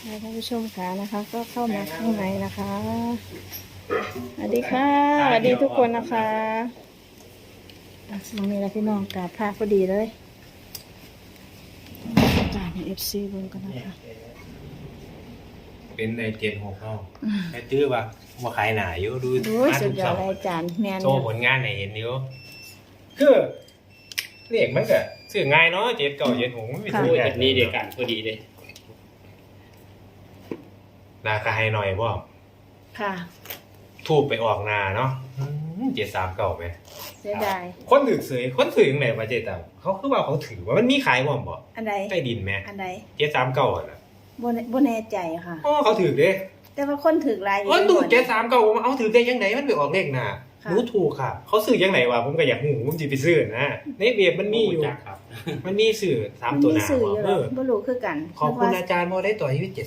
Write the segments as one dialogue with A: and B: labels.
A: ท่านผู้ชมค่ะนะคะก็เข้ามาข้างในนะคะสวัสดีค่ะสวัสดีทุกคนนะคะมองนี่แหละพี่น้องกราบพระพอดีเลยจ่ายในFCเบิ่งกันนะคะ
B: เป็นในเจนหกเข้าแค่ตื้อว่าขายหนาอยู่ดู
A: ดูสุดยอดเลยอาจารย์แมน
B: โชว์ผลงานให้เห็นอยู่คือเรียกมันก็ซื้อง่ายเนาะเจ็ดเก่าเจ็ดหกมันไม่ซื้อ
C: แบบนี้เดียวกันพอดีเลย
B: ราคาให้หน่อยบ่
A: ค่ะ
B: ทูบไปออกนาเนาะ739ไหม
A: เสียดาย
B: คนถือเสยคนถือยังไงมาเจ็ดต่ำเขาคือว่าเขาถือว่ามันมีขายบ่บ่
A: อันใด
B: ใต้ดินไหม
A: อันใด
B: 739อ่ะนะ
A: บ่แน่ใจค่ะ
B: อ๋อเขาถือเด้
A: แต่ว่าคนถือลายอยู่
B: อ๋อถูก739ผมเอาถือได้ยังไงมันไปออกเลขหน้า
A: ค่ะ
B: รู้ถูกค่ะเขาซื้อยังไงวะผมก็อยากหูผมสิไปซื้อนะในเว็บมันมีอยู่
C: จักครับ
B: มันมีสื่อสาม
A: มัน
B: ตัว
A: มี
B: หนา
A: สื่ออยู่
B: เอ
A: แล้ว
B: อ
A: บ่รู้คือกัน
B: ขอบคุณ
A: นึกว่า
B: อาจารย์โมได้ต่อชีวิต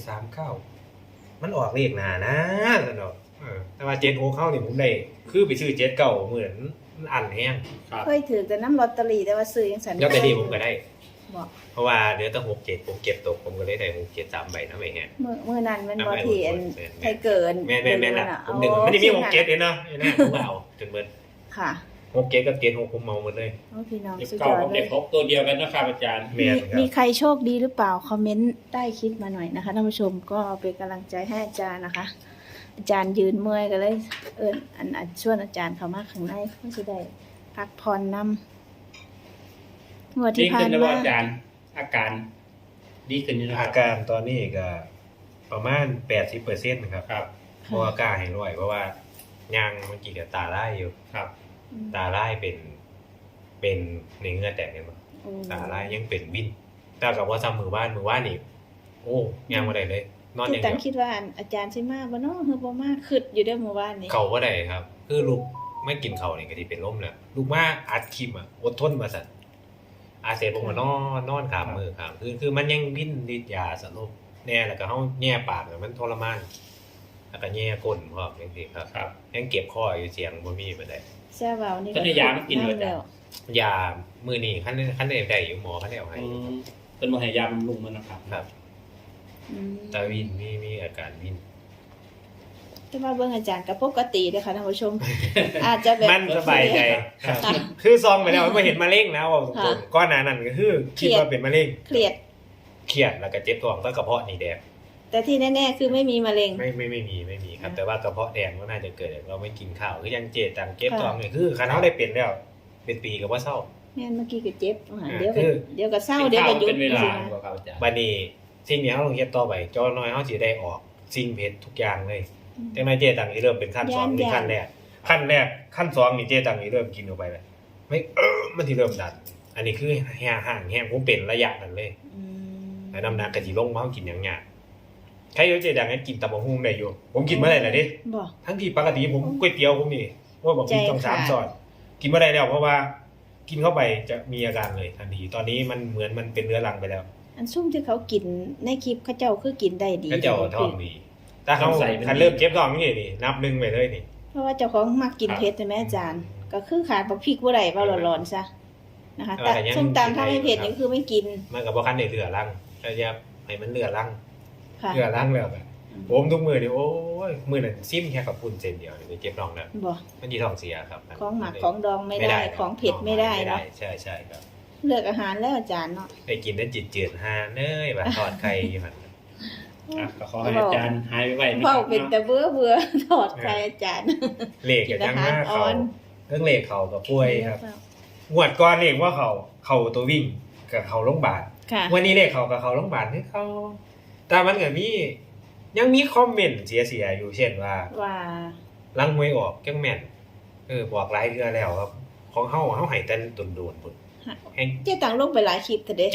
B: 739มันออกเลขหนานะสนอกแต่ว่า76เข้านี่ผมได้คือไปซื้อ7เก่าเหมือนอันแห้ง
C: ครับ
A: เคยถือแต่น้ำลอตเตอรี่แต่ว่าซื้อยังสัน
B: แล้วแต่ดีผมก็ได้
A: บอก
B: เพราะว่าเหลือแต่67ผมเก็บตกผมก็เลยได้67 3ใบนะไม่แห้ง
A: มือนั้นมันบ่
B: ทำไม
A: ที่อัน
B: แม่น
A: ไทยเกิน
B: แม่นๆล่ะ
A: เอา
B: ผมดึงไม่ได้มี67เองเนาะไอ้นั่นผมก็เอาจนเบิด
A: ค่ะ
B: 67กับ76ผมเมาหมดเลย
A: โอ้พี่น้อง
C: เด็ก
A: สุดย
C: เก่า
A: อด
C: กับ
A: เล
C: เด็
A: ย
C: กพกตัวเดียวกันนะครับอาจารย์
B: แม่นครับ
A: มีใครโชคดีหรือเปล่าคอมเมนต์ใต้คลิปมาหน่อยนะคะท่านผู้ชมก็เป็นกำลังใจให้อาจารย์นะคะ อาจารย์ยืนเมื่อยก็เลยอันชวนอาจารย์เข้ามาข้างในเพื่อจะได้พักผ่อนนำงวด
C: ดี
A: ที่ผ่า
C: ขึ้
A: น
C: นแล้ว
A: มา
C: อาจารย์ อาการดีขึ้นนี่นะค
B: อา
C: รับ
B: การตอนนี้ก็ประมาณ 80%นะครับ
C: ครับ
B: เพราะว่ากล้าให้ร้อยเพราะว่ายังเมื่อกี้กับตาไล่อยู่
C: ครับ
B: ตาไล่เป็นในเงื่อแตกเนี่ยมั้งตาไล่ยังเป็นวินแต่กับว่าซ้ำมือบ้านนี่โอ้ยังบ่ได้เลย นอนอ
A: ที่
B: ย่าง
A: ตั้
B: เดี
A: ง
B: ยว
A: คิดว่าอาจารย์ใช่มากบ่เนาะคือบ่มากขึ้นอยู่เด้อหมู่บ้านนี้
B: เขาบ่ได้ครับ คือลูกไม่กินเขาวนี่ก็สิเป็นลมแล้วลูกมาอัดคลิปอ่ะอดทนมาสั่นอาเสร็จผมก็นอนขามมือขามคือมันยังวินฤทธิ์ยาสลบแน่แล้วก็เฮาแย่ปากอะมันทรมานแล้วก็แย่ก้นพร้อมจังซี่ครับ
C: ครับ
B: ยังเก็บคออยู่เสียงบ่มีปานใด
A: แซ่เว้านี่
C: ก็ได้ยามากินด้วยจ้ะ
B: ยามือนี่ขั้นได้อยู่หมอขั้นได้เอาให้
C: เป็นมหายาบำรุงมันนะครับ
B: ครับ
A: อืม
B: ตาวินมีอาการวิน
A: แต่ว่าเบิ่งอาจารย์ก็ปกติเด้อค่ะท่านผู้ชม อาจจะแบบ
B: มันสบายใจ
C: ครับ
A: ค่ะ
B: คือซองไปแล้วไม่เห็นมะเร็งนะว่า
A: ค่ะ
B: ก้อนหนานั่นก็คือคิดว่าเป็นมะเร็ง
A: เครียด
B: เครียดแล้วก็เจ็บท้องก็กระเพาะนี่แดง
A: แต่ที่แน่ๆคือไม่มีมะเร็ง
B: ไม่มีครับ แต่ว่ากระเพาะแดงก็น่าจะเกิดจากเราไม่กินข้าวคือยังเจ็บต่างเจ็บ
A: ค่ะ
B: ท้องนี่คือคันเขาได้เป็นแล้วเป็นปีก็ว่าเศร้า
A: แม่นเมื่อกี้ก็เจ็บอาหาร
B: อ่า
A: เดี๋ยวก็
B: คือ
A: เดี๋ยวก็เศร้า
C: กิน
A: เดี๋ยว
C: ข้า
A: ก็
C: ว
A: หยุ
C: เป็
A: ด
C: นเวลา
A: สินะ
C: ครับอาจารย์
B: บัดนี้สิ่งนี้เราต้องเฮ็ดต่อไปจอน้อยเขาสิได้ออกสิ่งเพชรทุกอย่างเลย จังไดเจตังนี่เริ่มเป็นขั้นสองนี่ขั้นแรกขั้นสองนี่เจตังนี่เริ่มกินออกไปแล้วไม่มันที่เริ่มดัน อันนี้คือห่างแห้งผมเป็นระยะนั้นเลย
A: อืม
B: แล้วน้ำหนักก็สิลงมาเฮากินอย่างยากใครเจตังนั้นกินตำบักหุ่งได้อยู่ผมกินบ่ได้แล้วเด้
A: บ่
B: ทั้งที่ปกติผมก๋วยเตี๋ยวผมนี่ว่าบอกกินต้อง
A: ใจขาด
B: 3ช้อนกินบ่ได้แล้วเพราะว่ากินเข้าไปจะมีอาการเลยทันทีตอนนี้มันเหมือนมันเป็นเรื้อรังไปแล้ว
A: อันซุ่มที่เขากินในคลิปเขาเจ้าคือกินได้ดี
B: ก็เจ้าท้องดีถ้าเขาคันเริ่มเจ็บท้องนี่นับ1ไปเลยนี่
A: เพราะว่าเจ้าของมักกินเผ็ดใช่ไหมอาจารย์ ก็คือขาดบักพริกบ่ได้ว่าร้อนๆซะนะคะแต่ส้มตำถ้าไม่เผ็ดนี่คือไม่กิน
B: มันก็บ่คันได้เรื้อรังก็จะให้มันเรื้อรัง
A: ค่ะ
B: เรือล้างแล้วแบบผมทุกมือนี่โอ้ยมือนั่นซิมแค่กับปุ่นเซนเดียวนี่เจ็บท้องแล้ว
A: บ่
B: มันยีท้องเสียครับ
A: ของหมักของดองไม่ได้ของเผ็ดไม่ได้เนาะ
B: ใช่ครับ
A: เลือกอาหารแล้วอาจารย์เนาะ
B: ได้กินได้จืดๆฮาเนยแบบทอดไข่อยู่หั่น
C: อ่ะก็ขอให้อาจารย์หายไวๆนะค
A: เฝ้า
C: รับ
A: เป็นแต่เบื่อถอดใครอาจารย์
B: เลขกับจังหน้า
A: กินอาหารอ่
B: เขา
A: อน
B: เรื่องเลขเขากับป่วยครับงวดก่อนเลขว่าเขาตัววิ่งกับเขาโรงพยาบาล
A: ค่ะ
B: วันนี้เลขเขากับเขาโรงพยาบาลให้เขาแต่มันก็มียังมีคอมเมนต์เสียๆอยู่เช่นว่า
A: ว่า
B: ลังหวยออกจังแม่นบอกหลายเทื่อแล้วครับของเฮาให้แต่โดนๆพุ่นแห่ง
A: เจ๊ตังลงไปหลายคลิปแต่เด้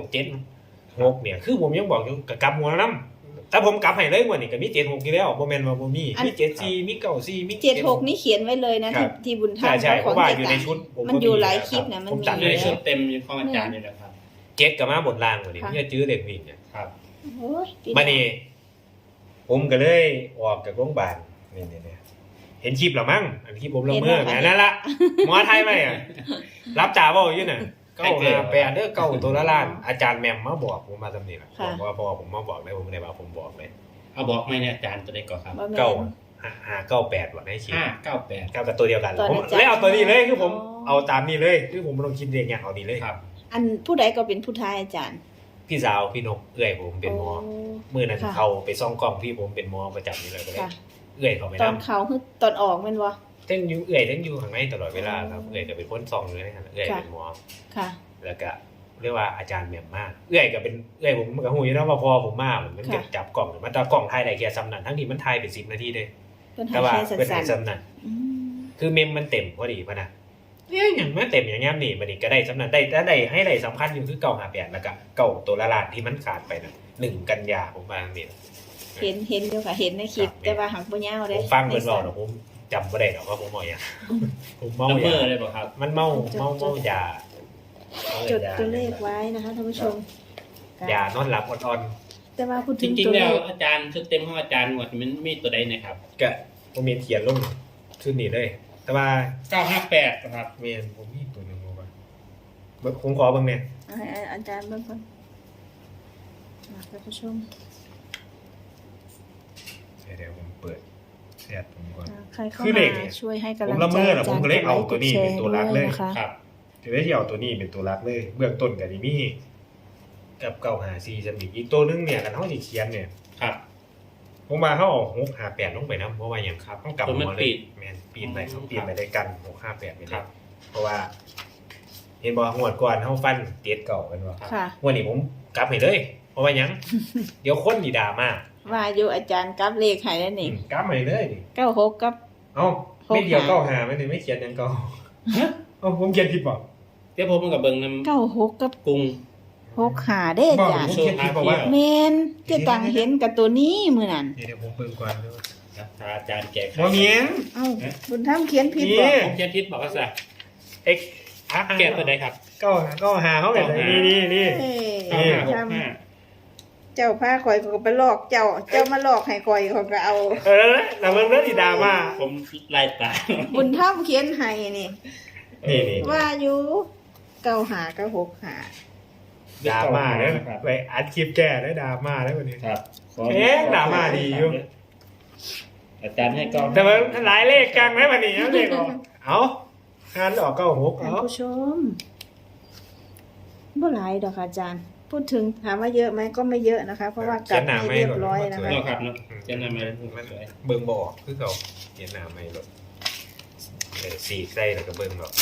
B: 797 6เนี่ยคือผมยังบอกอยู่กับกลับหัวนำแต่ผมกลับให้เลยงวดนี้ก็มี76อยู่แล้วบ่แม่นว่าบ่มีมี74มี94มี
A: 76นี่เขียนไว้เลยนะที่บุญธรรม
B: ใช่ๆเพ
A: ของ
B: ราะว่า
A: เจ๊
B: อยู่
A: ตั
B: ใน
A: ง
B: ชุดผม
A: มันอยู่หลายคลิปนะมัน
B: ผม
A: มี
B: จัด
C: อยู่
B: ให้
C: ใน
B: ค
C: ชุ
B: รั
C: ด
B: บ
C: เต็มของอาจารย์นี่แหละครับ
B: 7ก็มาบนล่างกว่านี้จะจื้อเลขวิ่งเนี่ย
C: ครับ
A: โอ้ยพี่
B: บัดนี้ผมก็เลยออกจากโรงพยาบาลนี่เห็นคลิปแล้วมั้งอันที่ผมลงมือแหมนั่นล่ะหมอไทยไหมอ่ะรับจ่าบ่อยู่น่ะ 958เด้อเก้าตัวละล้านอาจารย์แหม่มมาบอกผมมาซำนี้ล่ะ
A: ค่ะ
B: บอกว่าพอผมมาบอกเลยผมบ่ได้ว่าผมบอกเลย
C: เอาบอกไหมเนี่ยอาจารย์ตัวใดก่อนครับ
A: บ่แม่น
B: เก้า598บ่ได้คิด
C: 598
B: กับตัวเดียวกัน
A: ตอน
B: ผม
A: อาจารย์
B: เลยเอาตัวนี้เลยคือผม
A: อ๋อ
B: เอาตามนี้เลยคือผมบ่ต้องคิดเองอย่างเอานี้เลย
C: ครับ
A: อันผู้ใดก็เป็นผู้ทายอาจารย์
B: พี่สาวพี่นกเอื้อยผมเป็นหมอ
A: โ
B: มื้อนั้น
A: ค่ะ
B: เขาไปซ่องกล้องพี่ผมเป็นหมอประจำนี่เลยก็เลย
A: ค่ะ
B: เอื้อยเขาไป
A: ต
B: นำ
A: อนเขาคือตอนออกแม่นบ่
B: ทั้งอยู่เอื้อยทั้งอยู่ข้างในตลอดเวลาครับเอื้อยก็เป็นคนซ่องอยู่ในนั้นเอื้อย
A: ค่ะ
B: เป็นหมอ
A: ค่ะ
B: แล้วก็เรียกว่าอาจารย์แหม่มมากเอื้อยก็เป็นเอื้อยผมมันก็ฮู้อยู่แล้วว่าพอผมมามัน
A: ค่ะ
B: จับกล้องมันจับกล้องถ่ายได้แค่ซ้ำนั้นทั้งที่มันถ่ายเป็น10นาทีเด้
A: เพิ่นให้
B: แต่ว่า
A: แค่
B: เป็นให้
A: สั้น
B: ซ้ำนั้น
A: ๆอืม
B: คือเมมมันเต็มพอดีพะนะเนี่ยอย่างมันเต็มอย่างเงี้ยนี่มันนี่ก็ได้สำนักได้แต่ได้ให้ได้สำคัญอยู่คือ958แล้วก็เก่าตัวละล้านที่มันขาดไปนะ1กันยาผมว่านี่
A: เห็นอยู่ค่ะเห็นในคลิป
B: ครับ
A: แต่ว่าหักบ่ยาว
B: ผ
A: เด้
B: มฟังเพิ่นเว้าเนาะผมจำบ่ได้ดอกว่าผมเมาหยังผมเมา
C: นัมเบ
B: ยา
C: อร์เลยบ่ครับ
B: มันเมายา
A: จดตัวเลขไว้นะคะท่านผู้ชม
B: ยานอนหลับอ่อน
A: แต่ว่าพูด
C: จ
A: ถึง
C: ริง
A: ตัว
C: ๆ
A: เล
C: แล้ว
A: ข
C: อาจารย์ชุดเต็มของอาจารย์หมดมันมีตัวใดนะครับ
B: ๆก็ผมมีเขียนลงชุดนี้เลย แต่ว่า
C: 958นะครับ
B: แม่นผมมีตัวหนึงบ่ว่าเบิ่งผมขอเบิ่งแน่
A: ให้อาจารย์เบิ่งก่อนท่านผู้ชม
B: เดี๋ยวผมเปิดแชทผมก่อน
A: ใครเข้า
B: คือเล
A: มา
B: ขเนี่ย
A: ช่วยให้กำลัง
B: ผม
A: ใจ
B: ละเมอน่ะ
A: อา
B: ผ
A: จาม รย์
B: ก็เลยเอาตัวนี้
A: กดไลค์
B: เป็นตัวหลักเลย
A: ด้วยนะคะ
C: ครับ
B: จะได้ที่เอาตัวนี้เป็นตัวรักเลย เบื้องต้นกับนี่มีกับ954จะมีอีกตัวนึงเนี่ยกันเฮาสิเขียนเนี่ย
C: ครับ
B: ผมว่าเฮาเอา658ลงไปนํเพราะว่าหยังครับต้องกลับ
C: ตัวมัน
B: หัวเล
C: ปิ
B: ย
C: ด
B: แม่นปีนไป
C: อ๋อ
B: ปีนไปด้วยกัน658ไปเล
C: ครั
B: ย
C: บ
B: เพราะว่า เห็นบ่งวดก่อนเฮาฟันเตียดเก่ากันบ่
A: ค่ะ
B: งวดนี้ผมกลับให้เลย เพราะว่าหยัง เดี๋ยวคนนี่ด่ามา
A: ว่าอยู่อาจารย์กับเลขให้แล้วนี่
B: กลับให้เลยนี่
A: 96กับ
B: เอ้าไม่เดียว
A: 65
B: 95ไม่ได้ไม่เขียนหยังเก่าเอ้าผมเขียนผิดบ่
C: เดี๋ยวผมมันกับเบิ่งน้ำ
A: 96กับ
C: กรุง
A: 65เด้อาจารย์
B: ผมเขียนผิดบอกว่า
A: แม่นเจะตังเห็นกับตัวนี้มื้อนั้น
B: เดี๋ยวผมเบิ่งก่อนเด้อ
C: ถ้าอาจารย์แก้ไข
B: บ่แม่น
A: เอ้าบุญธรรมเขียนผิด
B: นี่
A: บ่
C: ผมเขียนผิดบอกว่าซะ
B: X
C: แก้ตัวใดครับ
B: ก็หาเขาแบบนี่
A: เอ้ย
B: นี่
A: ทำเจ้าพาข่อยก็ไปหลอกเจ้ามาหลอกให้ข่อยเขาก็เอา
B: แล้วมันเรื่องที่ดราม่า
C: ผมไล่ตาม
A: บุญธรรมเขียนให้นี่
B: นี่
A: ว่าอยู่95กับ65
B: ดราม่าเนี่ยไปอัดคลิปแก้ได้ดราม่าได้วันนี้
C: ครับ
B: เอ๊ะดราม่าดีอยู่
C: อาจารย์ให้กล้อง
B: แต่มันหลายเลขกลางไหมวันนี้เลขออกเอางานออก96
A: ท่าน
B: เอา
A: ผู้ชมบ่หลายดอกค่ะอาจารย์ พูดถึงถามว่าเยอะไหมก็ไม่เยอะนะคะ เพราะว่ากลับให้เรียบร้อยนะคะ
C: เนาะครับเนาะเจะนำมา
B: มัน
C: สวย
B: เบิ่งบ่ออกคือเขาเขียนหน้าไม่หรอกสีใส่แล้วก็เบิ่งหรอก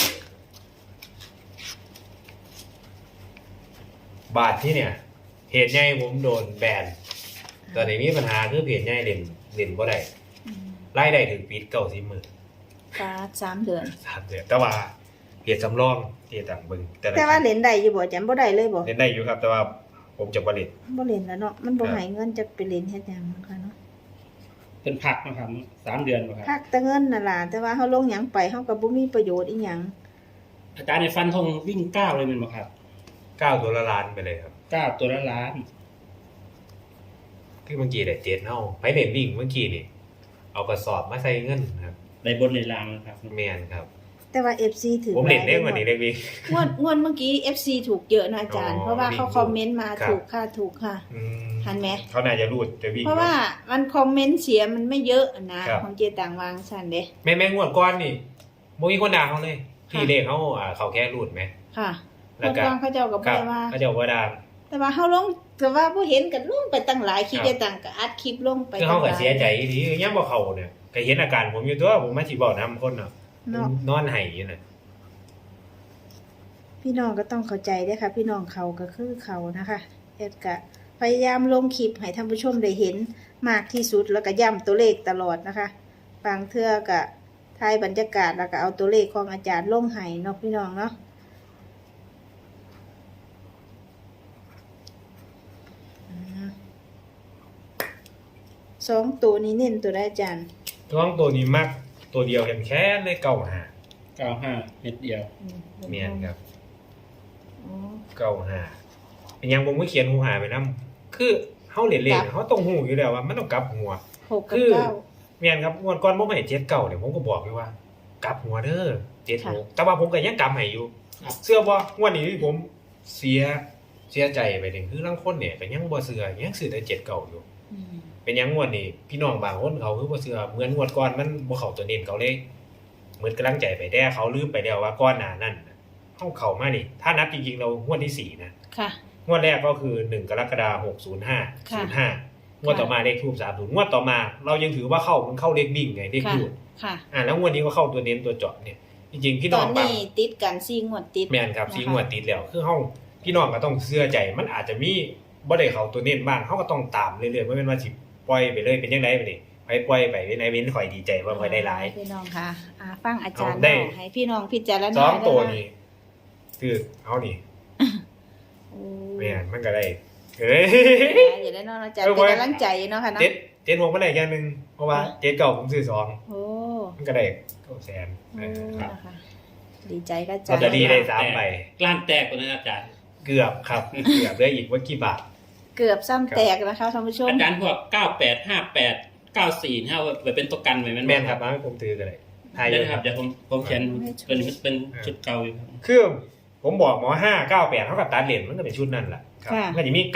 B: บาทที่เนี่ย เหตุใหญ่ผมโดนแบนตอนนี้มีปัญหาคือเพจใหญ่เล่นบ่ได้ รายได้ถึงปิด90มื้อ
A: ฟ้า3เดือน
B: 3เดือนแต่ว่าเพจสำรองที่ต่างเบิ่งละ
A: แต่ว่าเล่นได้อยู่บ่อาจารย์บ่ได้เลยบ่
B: เล่นได้อยู่ครับ แต่ว่าผมจะบ่เล่น
A: บ่เล่นแล้วเนาะมันบ่ให้เงินจะไปเล่นเฮ็ดหยังนะคะเนาะ
C: เป็นผักนะครับ3 เดือนบ่ครับ
A: พักแต่เงินน่ะล่ะแต่ว่าเฮาลงหยังไปเฮาก็บ่มีประโยชน์อีหยัง
C: อาจารย์ในฟันธงวิ่ง9เลยแมันบ่ครับ
B: 9ตัวละล้านไปเลยครับ
C: 9ตัวละล้าน
B: คือเมื่อกี้ได้7เฮาไปเล่นวิ่งเมื่อกี้นี่เอากระสอบมาใส่เงินครับ
C: ในบนในล่างนะครับ
B: แม่นครับ
A: แต่ว่า FC ถือ
B: ผมเล่น
A: ห
B: ได้
A: ลาย
B: กว่านี้ได้วิ่ง
A: งวดเมื่อกี้ FC ถูกเยอะนะอาจารย์
B: อ๋อ
A: เพราะว่าเขา
B: วิ่ง
A: คอมเมนต์มา
B: ครับ
A: ถูกค่ะถูกค่ะ
B: อืม
A: ทันไหม
B: เขาน่าจะรูดจะวิ่ง
A: เพราะว่ามันคอมเมนต์เสียมันไม่เยอะนะครับ ของเจต่างวางซั่นเด้
B: แม่งวดก่อนนี่บ่มีคนด่าเขาเลย
A: ค่ะ
B: ที่เลขเขาเขาแค่รูดไหม
A: ค่ะ
B: แล้ว
A: เมื่อ
B: ก็
A: ก่อนเขาเจ้าก็
B: ค
A: บ่
B: รับ
A: ได้ว่า
B: เขาจะบอกว่าด่า
A: แต่ว่าเฮาลงแต่ว่าผู้เห็นก็ลงไปตั้งหลายคลิป
B: ครับ
A: เจต่างก็อัดคลิปลงไป
B: คือเขาก็
A: ตั้งหล
B: เสียใจดียังบ่เข้าเนี่ยก็เห็นอาการผมอยู่ตัวผมมาสิบอกนำคนเนาะ
A: เนาะ
B: นอนไห้อยู่น่ะ
A: พี่น้องก็ต้องเข้าใจเด้อค่ะ พี่น้องเขาก็คือเขานะคะเอ็ดก็พยายามลงคลิปให้ท่านผู้ชมได้เห็นมากที่สุดแล้วก็ย้ำตัวเลขตลอดนะคะบางเทื่อก็ถ่ายบรรยากาศแล้วก็เอาตัวเลขของอาจารย์ลงให้เนาะพี่น้องเนาะสองตัวนี้เน้นตัวได้อาจารย์
B: ท้องตัวนี้มักตัวเดียวแค่เลยเก่าหา
C: 95เม็ดเดียว
B: เมียนครับ
A: อ๋อ
B: เก่าหาเป็นหยังผมก็เขียนหูหาไปนํคือเฮาเล่น
A: กลับ
B: ๆเขาต้องหูอยู่แล้วว่ามันต้องกลับหัว
A: หกกับ
B: คือ
A: เก้า
B: เมียนครับงวดก่อนผมให้7เก่าเนี่ยผมก็บอกอยู่ว่ากลับหัวเด้อ7
A: ค่ะ
B: 6แต่ว่าผมก็ยังกลับให้อยู่เสื้อบ่งวดนี้ที่ผมเสียใจไปนี่คือลางคนเนี่ยก็ยังบ่เชื่อยังซื้อแต่7เก่าอยู่
A: อืม
B: เป็นหยังงวดนี้พี่น้องบางคนเขาคือบ่เชื่อเหมือนงวดก่อนมันบ่เข้าตัวเน้นเขาเลยเหมือนกำลังใจไปแต่เขาลืมไปแล้วว่าก่อนหน้านั้นน่ะเฮาเข้ามานี่ถ้านับจริงๆเรางวดที่4นะ
A: ค่ะ
B: งวดแรกก็คือ1กรกฎาคม605 05งวดต่อมาเลขทูป30งวดต่อมาเรายังถือว่ามันเข้าเลขวิ่งไงเลข
A: ค่ะ
B: ดูด
A: ค่ะ
B: แล้วงวดนี้ก็เข้าตัวเน้นตัวเจาะเนี่ยจริงๆพี่
A: ต
B: น้
A: อ
B: อน งบาง
A: นี้ติดกัน4งวดติด
B: แม่นครับ
A: นะคะ
B: ซีงวดติดแล้วคือเฮาพี่น้องก็ต้องเชื่อใจมันอาจจะมีบ่ได้เข้าตัวเน้นบ้างเฮาก็ต้องตามเรื่อยๆบ่แม่นว่าสิปล่อยไปเลยเป็นจังไดบัดนี้ไปปล่อยไปเป็นไดเว้นข่อยดีใจว่าข่อยได้หลาย
A: พี่น้องค่ะฟังอาจารย์
B: ได้
A: เนาะให้พี่น้องพิจารณา
B: สองตัว
A: ได้
B: นี้คือเอานี่
A: โอ้
B: แม่นมันก็ได้เอ้ย
A: อย่าได้เนอนอาจารย์
B: เออ
A: เป็น
B: ไว้
A: กำลังใจเนาะค่ะเนาะ
B: เจ็ด6มันได้อย่างนึงเพราะว่าเจ็ดเก่าผมซื้อสอง
A: โอ้
B: มันก็ได้900,000
A: โอ้
B: ครับ
A: นะคะดีใจกับอา
B: ล
A: จาร
B: อต
A: ย์
B: เตอรี่ได้3ใบ
C: กล้านแตกกว่านั้นอาจารย์
B: เกือบครับ เกือบได้อีกว่ากี่บาท
A: เกือบซ้ำแตกนะคะท่านผู้ชม
C: อาจารย์พวก9858 945ไว้เป็นตัวกันไว้
B: แม่นครับมาให้ผมถือกันเลยทายเย
C: ได้
B: อะ
C: ค
B: ค
C: รั
B: รั
C: บบ เดี๋ยวผมเขียนเป็นชุดเก่าอยู่ครับ
B: คือผมบอกหมอ598เท่ากับตัดเหรียญมันก็เป็นชุดนั่นแหละครับ
A: ค่ะ
B: มันจะมี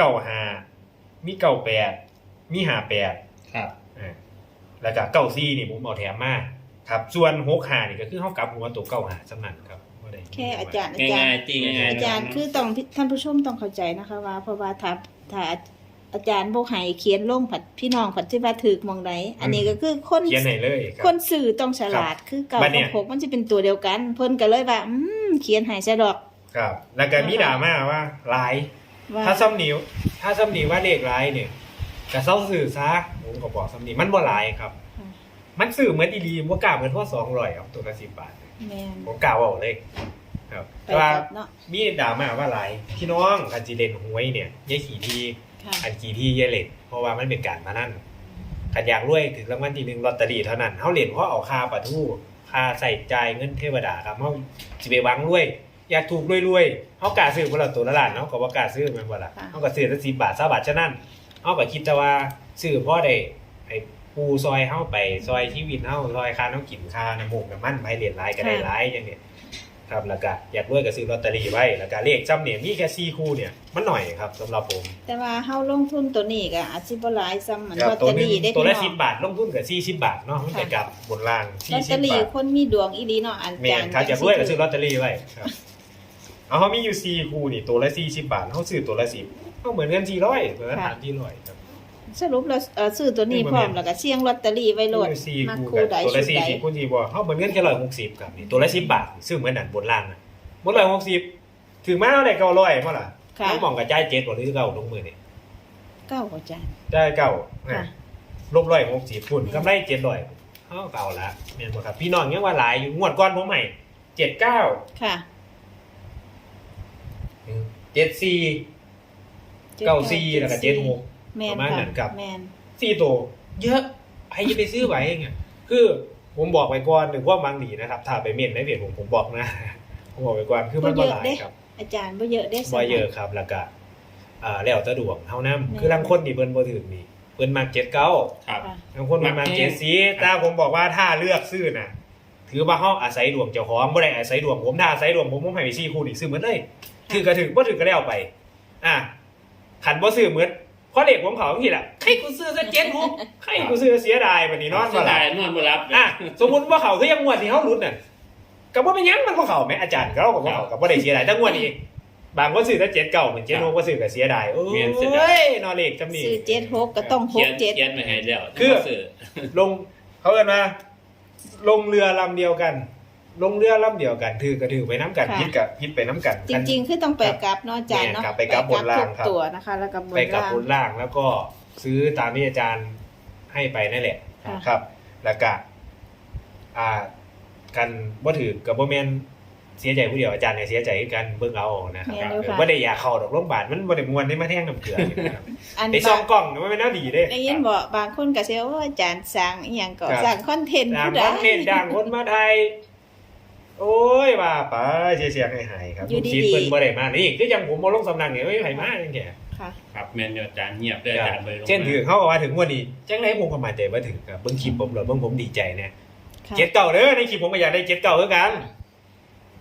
B: 95มี98มี58
C: ครับ
B: แล้วก็94นี่ผมเอาแถมมาครับส่วน65นี่ก็คือเฮากลับหัวตัว95สำนันครับบ่ได้
A: แค่อาจารย์
C: ง่ายๆตีง่ายๆ
A: อาจารย์คือต้องท่านผู้ชมต้องเข้าใจนะคะว่าเพราะว่าถ้าอาจารย์บ่ให้เขียนลงผัดพี่น้องผัดที่ว่าถูกหมองใดอันนี้ก็คือคน
B: เขียนให้เลยครั
A: คนสื่อต้องฉลาดคือเก่า
B: บัดเนี่
A: กับ
B: ย
A: หกมันจะเป็นตัวเดียวกัน เพิ่นก็เลยว่าเขียนให้ซะดอก
B: ครับแล้วก็มีดราม่าว่าหลาย
A: ว่า
B: ถ้าซ้ำนิ้วว่าเลขหลายเนี่ยก็เซาซื้อซะผมก็บอกซ้ำนี้มันบ่หลายครับ
A: ค่ะ
B: มันซื้อเหมือนอีหลีบ่กล้าเหมือนพอ200ครับตัวละ10 บาท
A: แม่น
B: ผมกล่าวเอาเลยครับ
A: ไป
B: แต่ว่า
A: กับเนาะ
B: มีดราม่าว่าหลายพี่น้องกันจีเล่นหวยเนี่ยยายขี่ที
A: ค่ะ
B: อันขี่ทียายเล่นเพราะว่ามันเป็นการมานั่นขันอยากรวยถึงรางวัลที่1ลอตเตอรี่เท่านั้นเฮาเล่นเพราะเอาค่าปะทู่ค่าใส่จ่ายเงินเทวดาครับเฮาสิไปหวังรวยอยากถูกรวยๆเฮากล้าซื้อบ่ล่ะตัวละล้านเนาะก็บ่กล้าซื้อแม่นบ่ล่ะเฮาก็ซื้อแต่10 บาท20 บาทฉะนั้นเฮาก็คิดแต่ว่าซื้อพอได้ให้ปูซอยเฮาไปซอยชีวิตเฮาซอยค่าน้ำกินค่าน้ำมูกน้ำมันไปเรียนหลายก็ได้หลายอย่างนี้ ครับแล้วก็อยากรวยก็ซื้อลอตเตอรี่ไว้แล้วก็เลขจำเนี่ยมีแค่4คู่เนี่ยมันหน่อยครับสำหรับผม
A: แต่ว่าเฮาลงทุนตัวนี้ก็อาจสิบ่หลายซ้ำเหมือน
B: ครั
A: ลอต
B: ตัว
A: เตอ
B: หนึง
A: รี่ได้
B: ตัว
A: พี่
B: ละ
A: น้อง
B: 10 บาทลงทุนก็40 บาทเนาะมันไปกับบนล่าง
A: ลอตเตอ
B: 40
A: รี่
B: บาท
A: คนมีดวงอีหลีเนาะอา
B: แม่
A: จาร
B: น
A: ย์
B: ครับอยากรวยก็ซื้อลอตเตอรี่ไว้ครับเอาเฮามีอยู่4คู่นี่ตัวละ40 บาทเฮาซื้อตัวละ10เฮาเหมือนกัน400ตัวละ300ครับ
A: สรุปแล้วซื้อตัวนี้พร้อมแล้วก็เสี่ยงลอตเตอรี่ไว้โหลด
B: มีอยู่4
A: มา
B: คู่
A: คู่
B: กัน
A: ใด
B: ตัวละ
A: ชุดใด
B: 40คูณ4บ่เฮาเหมือนกันแค่160ครับนี่ตัวละ10 บาทซื้อเหมือนนั่นบนล่างน่ะบน160ถึงมาเท่าไหร่900บ่ล่ะ
A: ค่ะ
B: ต้องมองกับจ่าย7บ่หรือเก่าลงมือนี่
A: เก้าอาจารย์
B: ได้เก่า
A: ค่ะ
B: ลบ160พุ่นกำไร700เฮาเก่าละแม่นบ่ครับพี่น้องยังว่าหลายอยู่งวดก่อนผมให้79
A: ค่ะ
B: 74 94แล้วก็76
A: แม่น
B: ประมาณ
A: ค่ะ
B: นั้นครับ
A: แม่น
B: 4ตัวเยอะใครจะไปซื้อไหวเองอ่ะคือผมบอกไว้ก่อนหรือว่ามังดีนะครับถ้าไปเม่นในเพจผมบอกนะ ผมบอกไว้ก่อนคือมันบ่หลายครับ
A: อาจารย์บ่เยอะเด้
B: บ่เยอะครับแล้วก็แล้วแต่ดวงเท่านั้น
A: แม่น
B: คือลางคนนี่เพิ่นบ่ถึงนี่เพิ่นมัก79
C: ครับ
A: ค่ะ
B: บางคนมันมาเจ็ดสีแต่ผมบอกว่าถ้าเลือกซื้อน่ะ ถือว่าเขาอาศัยดวงเจ้าของบ่ได้อาศัยดวงผมถ้าอาศัยดวงผมให้ไปซี่คู่นี่ซื้อเหมือนเลยถือก็ถือบ่ถือก็แล้วไปขันบ่ซื้อเหมือนเพราะเด็กผมเขาทีละให้กูซื้อซะ7-6ให้กูซื้อเสียดายบัดนี้นอน
C: เสี
B: บ่
C: ย
B: หลั
C: ดา
B: บ
C: ยนอนบ่รับ
B: สมมุติว่าเขาคือยังงวดที่เฮาหลุดน่ะก็บ่เป็นหยังมันบ่เข้าแม่อาจารย์เขาก็บ่เข้าก็บ่ได้เสียดายแต่งวดนี้บางคนซื้อแต่7 9เหมือน7 6บ่ซื้อก็เสียดายโอ้ยนอเลขจำนี่
A: ซื้อ76ก็ต้อง
C: เขียน
A: 67
C: เขียนไม่ให้แล้ว
B: คือ
C: ซื้อ
B: ลงเขาเอิ้นว่าลงเรือลำเดียวกัน ลงเรือลำเดียวกันถือก็ถือไปน้ำกัน
A: ค่ะ
B: พิษกับพิษไปน้ำกัน
A: จริงๆคือต้องไปกลับเนาะอาจารย์เนาะ
B: แม่นครับไปกลับบนล่างครับ
A: ทุกตัวนะคะ แล้วก็บน
B: ไปกับ
A: ล่าง
B: บนล่างแล้วก็ซื้อตามที่อาจารย์ให้ไปนั่นแหละ
A: ค่ะ
B: ครับ แล้วก็กันบ่ถือกับบ่แม่นเสียใจผู้เดียวอาจารย์เนี่ยเสียใจคือกันเบิ่งเอานะครับ
A: แม่นอยู่ค่ะ
B: บ่ได้อยากเข้าดอกโรงพยาบาลมันบ่ได้ม่วนได้มาแท่งน้ำเกลือนี่นะครับ
A: อัน
B: ไปส่องกล้องมันเป็นแนวดีเด้
A: ได้ยินบอกบางคนก็เสียว่าอาจารย์สร้างอีหยังก็
B: ครับ
A: สร้างคอนเทนต์
B: ด่าง
A: ผู้ใด
B: คนเน้นด่างคนมาไทย โอ้ยว่าไปเสียๆหายๆครับ
A: อยู่ดีๆ
B: คิดเพิ่นบ่ได้มานี่คือจังผมบ่ลงสำนักนี่เอ้ยไผมาจังแก่
A: ค่ะ
C: ครับแม่นอยู่อาจารย์เงียบเลยอาจารย์บ่ได้ลงมา
B: เช่นถือเขาก็ว่าถึงวันนี้จังไดผมก็มั่นใจว่าถึงครับเบิ่งคลิปผมแล้วเบิ่งผมดีใจเนี่ย
A: ค่ะ
B: เจ็ดเก่าเด้อในคลิปผมก็อยากได้เจ็ดเก่าคือกัน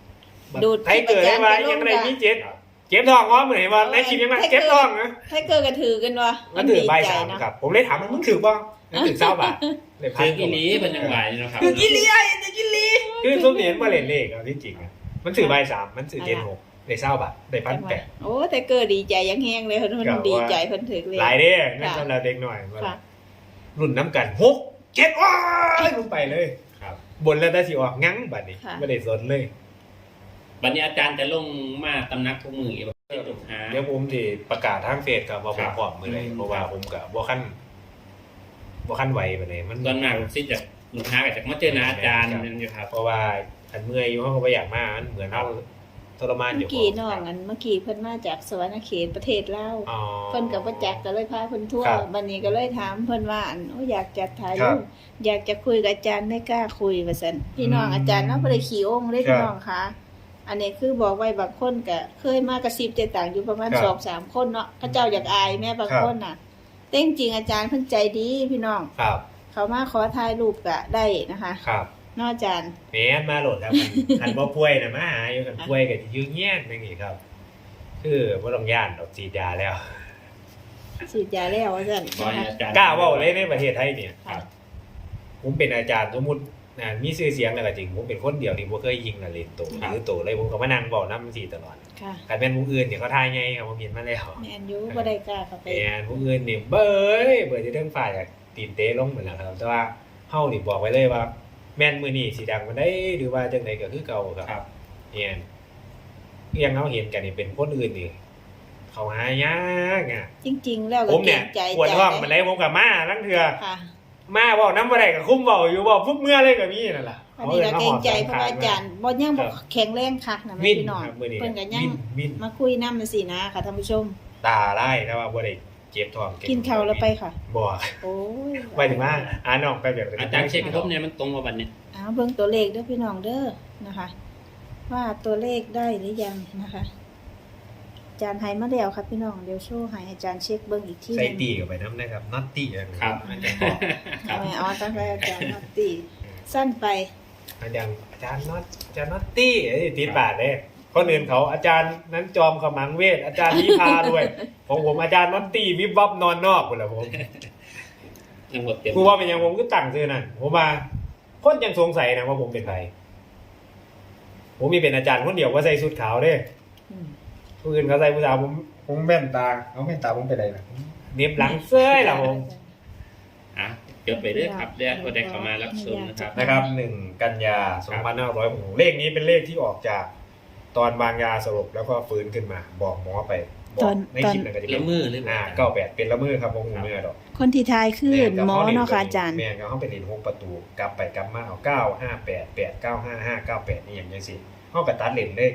A: ดูด
B: ไทยเกิดได้ว่ายังไงมีเจ็บท้องว่าเหมือนว่าในคลิปยังไงเจ็บท้องนะ
A: ให้เกิดกระถือกันวะ
B: มันถือใบ
A: ดีใจ
B: สาม
A: เนาะ
B: ครับผมเลยถามมันถือป่ะมันถือเศร้าบาทเลยพั
C: คื
B: น
C: ออีหลีเป็นยังไงเนาะครับ
A: คือกิลีไอ้กิลี
B: คือส้มเหรียญมาเล่นเลขเอาที่จริงอะมันถือใบสามมันถือเจนหกได้เศร้าบาทได้1,800
A: โอ้แต่เกิดดีใจยังแห้งเลยเพิ่นดีใจเพิ่นถือเลย
B: หลายเด้นั่นสำหรับเด็กหน่อย
A: ค่ะ
B: รุ่นน้ำกัน6 7ว้ายลงไปเลย
C: ครับ
B: บนแล้วได้สิออกงั้งบัดนี้
A: ค่ะ
B: ไม่ได้สนเลย
C: บัดนี้อาจารย์จะลงมาตำนักทุกมือแบบลูกหา
B: เดี๋ยวผมที่ประกาศทางเฟซกับว่าผมพร้อมมือเลย
C: อืม
B: เพราะว่าผมกับบ่ขั้นไหวไปเลยมัน
C: ตอนมากสิจากลูกหากับจากมาเจอหนาอาจารย์นั่นอยู่ครับ
B: เพราะว่าอันเมื่อยอยู่เขาก็บ่อยากมามันเหมือนเขาทรมานอ
A: เมื่
B: ยู่
A: อกี้น้องอันเมื่อกี้เพิ่นมาจากสวรรณเขตประเทศลาว
B: อ๋อ
A: เพิ่นกับว่าจักก็เลยพาเพิ่นทั่ว
B: ครับ
A: บัดนี้ก็เลยถามเพิ่นว่าอันโอ้อยากจะถ่าย
B: ครั
A: รู
B: บ
A: ปอยากจะคุยกับอาจารย์ไม่กล้าคุยว่าซั่นพี่น้อง
B: อืม
A: อาจารย์เนาะบ่ได้ขี้องค์เด้
B: ครับ
A: พี่น้องคะอันนี้คือบอกไว้บางคนก็เคยมากระซิบแต่ต่างอยู่ประมาณ
B: ครับ
A: 2-3 คนเนาะเขาเจ้าอยากอายแม่บาง
B: ครับ
A: คนน่ะแต่จริงๆอาจารย์เพิ่นใจดีพี่น้อง
B: ครับ
A: เขามาขอถ่ายรูปก็ได้นะคะ
B: ครับ
A: เนาะอาจารย์
B: แม่นมาโหลดครับหันบ่ป่วยน่ะมาหาอยู่กันป่วยก็สิยื้อแย่งจังซี่ครับ คือบ่ต้องย่านดอกฉีดยาแล้ว
A: ฉีดยาแล้วว่าซั่น
C: บอย
A: นะคะ
C: อาจารย์
B: กล้าเว้าเลยในประเทศไทยเนี่ย
A: ค่ะ
B: ผมเป็นอาจารย์สมมุติมีชื่อเสียงแล้วก็จริงผมเป็นคนเดียวที่บ่เคยยิงน่ะเล่นโตหรือโตเลยผมก็มานั่งเว้านำสิตลอด
A: ค่ะ
B: คันแม่นผู้อื่นเนี่ยเขาทายไงครับผมเห็นมาแล้ว
A: แม่นอยู่บ่ได้กล้าเข้าไป
B: แม่นผู้อื่นนี่เบิ่จะเรื่องฝ่ายจากตีนเตะลงเหมือนแล้วครับแต่ว่าเฮานี่บอกไว้เลยว่า แม่นมื้อนี้สิดังมาได้หรือว่าจังไดก็คือเก่าครับ
C: ครับ
B: เนี่ยยังเฮาเห็นกันนี่เป็นคนอื่นนี่เขาหายากอ่ะ
A: จริง ๆ แล้วก็
B: ผม
A: เกร
B: เนี่ย
A: งใจ
B: ปวดท้อง
A: ใจ
B: มันได้ผมกับมาลังเทื่อ
A: ค่ะ
B: มาเว้านำบ่ได้ก็คุ้มเว้าอยู่เว้าปุ๊บเมื่อเลยก็มีนั่นล่ะ
A: อันนี้ก็เกรงใจเพราะว่าอาจารย์บ่ยังบ่แข็งแรงคักนะแม่
B: วิน
A: พี่น้อง
B: ครับมื้อนี้
A: เพิ่นก็ยัง
B: วิน
A: มาคุยนำจังซี่นะค่ะท่านผู้ชม
B: ตาไล่แต่ว่าบ่ได้เจ็บท้อง
A: กินข้าวแล้วไปค่ะ
B: บ่
A: โอ้ย
B: ไปถึงว่าน้องไปแบบ
C: อาจารย์เช็คครบเนี่ยมันตรงกับบัดนี้
A: เอาเบิ่งตัวเลขเด้อพี่น้องเด้อนะคะ ว่าตัวเลขได้หรือยังนะคะอาจารย์ให้มาแล้วครับพี่น้องเดี๋ยวโชว์ให้อาจารย์เช็คเบิ่งอีกทีห
B: ใส่
A: นึง
B: ตีกับไปน้ำนะครับน็อตตี้
C: ครับ
B: มันจะบอก
C: ครับ
A: ไม่เอาตั้งแต่อาจารย์นอตตี้สั้นไป
B: อาจารย์น็อตตี้ติดปากเลยคนอื่นเขาอาจารย์นั้นจอมขมังเวทอาจารย์นิพาด้วยของผมอาจารย์น็อตตี้วิบวับนอนนอกหมดแล้วผม
C: ยังหมดเต็ม
B: กูว่าเป็นยังผมก็ตั้งชื่อนั่นผมมาคนยังสงสัยนะว่าผมเป็นใครผมมีเป็นอาจารย์คนเดียวว่าใส่ชุดขาวเด้
A: อืม
B: ผู้อื่นเขาใส่ผู้สาวผมแว่นตาเอาแว่นตาผมเป็นอะไรนะเน็บหลังเสื้อล่ะผม
C: อ่ะเดี๋ยวไปเรื่อยครับเดี๋ยวได้เข้ามารับชมนะครับ
B: นะครับ1 กันยา2566เลขนี้เป็นเลขที่ออกจากตอนวางยาสลบแล้วก็ฟื้นขึ้นมา บอกหมอไปบอกในคลิปนั่นก็จะเป็
C: ละ
B: น
C: มือเลย
B: 98เป็นละมือครับผมเมื่อดอก
A: คนที่ทายคือหมอเนาะค่ะอาจารย์
B: แม่นก็เขาไปเรียน6ประตูกลับไปกลับมาเอา958 8 9 5 5 98นี่อย่างจังซี่เฮาก็ตัดเล่นได้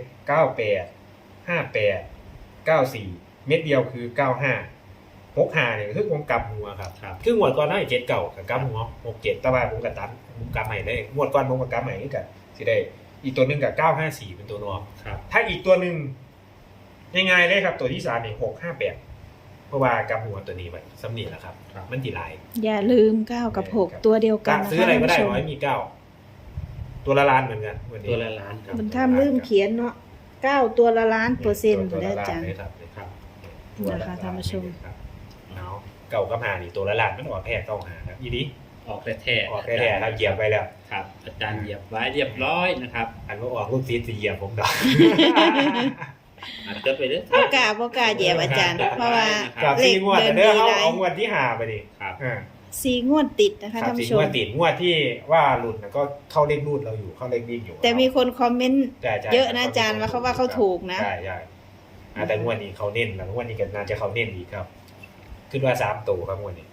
B: 98 58 94เม็ดเดียวคือ95 65เนี่ยคือผมกลับหัวครับ
C: ครับ
B: คืองวดก่อนได้7เก่ากับกลับหัว67แต่ว่าผมก็ตัดผมกลับใหม่เลยงวดก่อนผมก็กลับใหม่คือกันสิได้อีกตัวหนึงกับ954เป็นตัวนอ
C: ครับ
B: ถ้าอีกตัวหนึงง่ายๆเลยครับตัวที่3นี่658เพราะว่ากลับหัวตัวนี้ไปสำนีแหละครับ
C: ครับ
B: มันสิหลาย
A: อย่าลืม9กับ6ตัวเดียวกันนะคะ
B: ซื้ออะไรก็ได้
A: ท่าน
B: ร้อย
A: ผู้ชม
B: มีตัวละล้านเหมือนกันวันนี้
C: ตัวละล้านครับ
A: มันท่ามลืมเขียนเนาะ9ตัวละล้านเปอร์เซ็นต์
B: ตัว
A: ได้
B: ละ
A: อา
B: ล้า
A: จาน รย์
B: เลยครับ
C: ครับ
A: นะคะท่านผู้ชม
B: ครับเอาเก่ากับหานี่ตัวละล้านมันออกแท้เก่าหาครับอีนี้
C: ออกแท้ๆ
B: ออกแท้ๆครับเหยียบไปแล้ว
C: ครับ อาจารย์เหยียบไว้เรียบร้อยนะครับ
B: อันว่าออกลูกซีดสิเหยียบผมดอก
C: อาจจะไปเรื่อย
A: บ่กล้าเหยียบอาจารย์ เพราะว่า
B: กับ
A: เล
B: สี่
A: ข
B: งวด
A: เดิน
B: เด้อ
A: ดี
B: เขา
A: หลาย
B: เอางวดที่หาไปดิ
C: ครับ
A: 4งวดติดนะคะ
B: ครั
A: ท่า
B: บ
A: น
B: สี่
A: ผู้ช
B: งว
A: ม
B: ดติดงวดที่ว่าหลุดก็เข้าเลขรูดเราอยู่เข้าเลขวิ่งอยู่
A: แต่มีคนคอมเมนต์
B: ใช่ๆ
A: เยอะนะอาจารย์ว่าเขาว่าเขาถูกนะ
B: ใช่ใช่แต่งวดนี้เขาเน้นแล้วงวดนี้ก็น่าจะเขาเน้นอีกครับขึ้นว่า3ตัวครับงวดนี้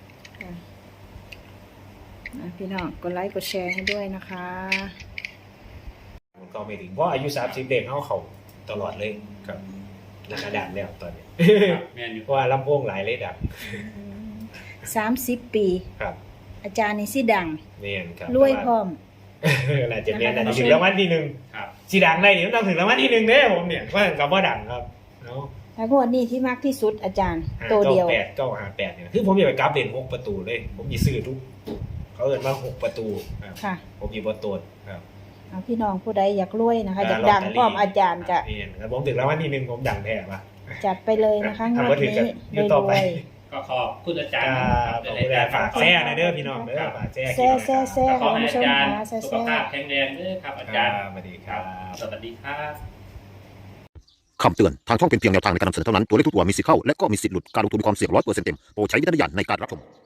A: พี่น้องกดไลค์กดแชร์ให้ด้วยนะคะ
B: มันก็ไม่ถึงเพราะอายุ30เด็กเขาตลอดเลยครับนักดับแล้วตอนนี้
C: ครับแม่นอยู่
B: เพราะว่าลำโพงหลายเลยดับ
A: 30 ปี
B: ครับ
A: อาจารย์นี่สิดัง
B: เนี่ยครับ
A: รวยพร้อม
B: น่าจะเนี่ยน่าจะถึงรางวัลที่หนึ่ง
C: ครับ
B: สีดังได้เนี่ยต้องถึงรางวัลที่หนึ่งเด้ผมเนี่ยว่ากับว่าดังครับเนาะ
A: แล้วงวดนี้ที่มากที่สุดอาจารย์ตัวเดียว
B: 958เนี่ยคือผมอยากไปกราฟเด่น6ประตูเลยผมมีซื้อทุกเขาเอิ้นว่า6ประตูครับ
A: ค่ะ
B: ผมมีบ่ตูนครับ
A: พี่น้องผู้ใดอยากรวยนะคะอยากดังพร้อมอาจารย์ก็
B: นี่ครับผมถึงแล้ววันที่หนึ่งผมดังแท้ปะ
A: จัดไปเลยนะคะงวดนี้
B: อยู่ต่อไป
C: ก็ขอบคุณอาจารย์
B: ขอบคุณอาจารย์ฝากแซ่นะเด้อพี่น้องเด้อฝากแซ่
A: แซ่
C: ขอให้อาจารย์
A: แซ่
C: สุขภาพแข็งแรงด้วยครับอาจารย์
B: สวัสดีครับ
C: สวัสดีครับ
D: คำเตือน ทางช่องเป็นเพียงแนวทางในการนำเสนอเท่านั้น ตัวเลขทุกตัวมีสิทธิ์เข้า และก็มีสิทธิ์หลุด การลงทุนมีความเสี่ยง100%เต็ม โปรดใช้วิจารณญาณในการรับชม